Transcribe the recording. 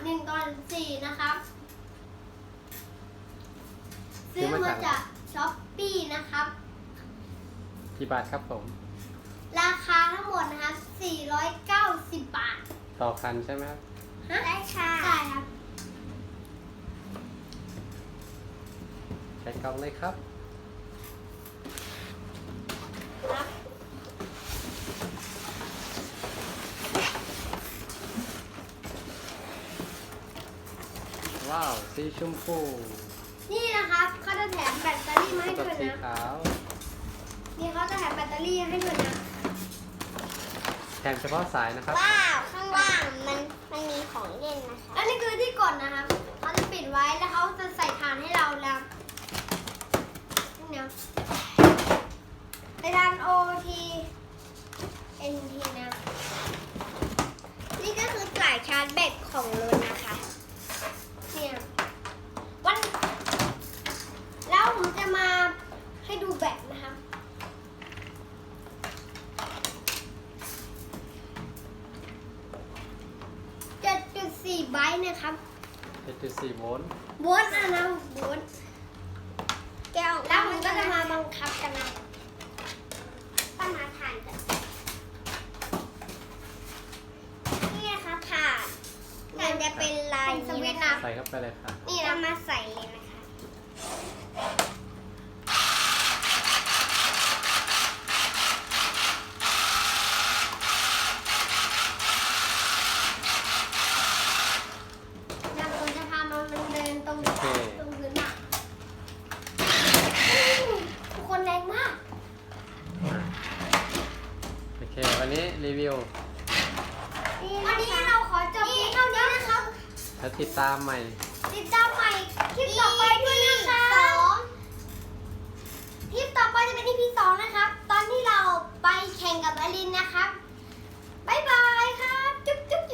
1/4นะครับซื้อมาจากช้อปปี้นะครับกี่บาทครับผมราคาทั้งหมดนะครับ490 บาทต่อคันใช่ไหมครับได้ค่ะใช่ครับแกะกล่องเลยครับว้าวสีชมพูนี่นะครับเขาจะแถมแบตเตอรี่มาให้ด้วยสีนะขาวนี่เขาจะแถมแบตเตอรี่ให้ด้วยนะแถมเฉพาะสายนะครับว้าวข้างล่างมันมีของเล่นนะคะอันนี้คือที่กดนะครับเขาจะปิดไว้แล้วเขาจะใส่ถ่านให้เราแล้วเนี่ยไปทาน OT NT นะนี่ก็คือสายชาร์จแบตของรถนะคะเนี่ยวันแล้วผมจะมาให้ดูแบตนะครับ7.4 ไบต์นะครับ 7.4 โวลต์โวลต์นะโวลต์แล้วผมก็จะมาบังคับกันนะปั้นมาถ่านกันนี่นะคะถ่านจะเป็นลายสวินี้ตช์นะนะใส่เข้าไปเลยครับนี่เรามาใส่เลยนะคะแล้วผมจะพามันเดินตรงพื้นอ่ะทุกคนแรงมากโอเควันนี้รีวิววันนี้เราขอจบเพียงเท่านี้นะครับแล้วติดตามใหม่ติดตามใหม่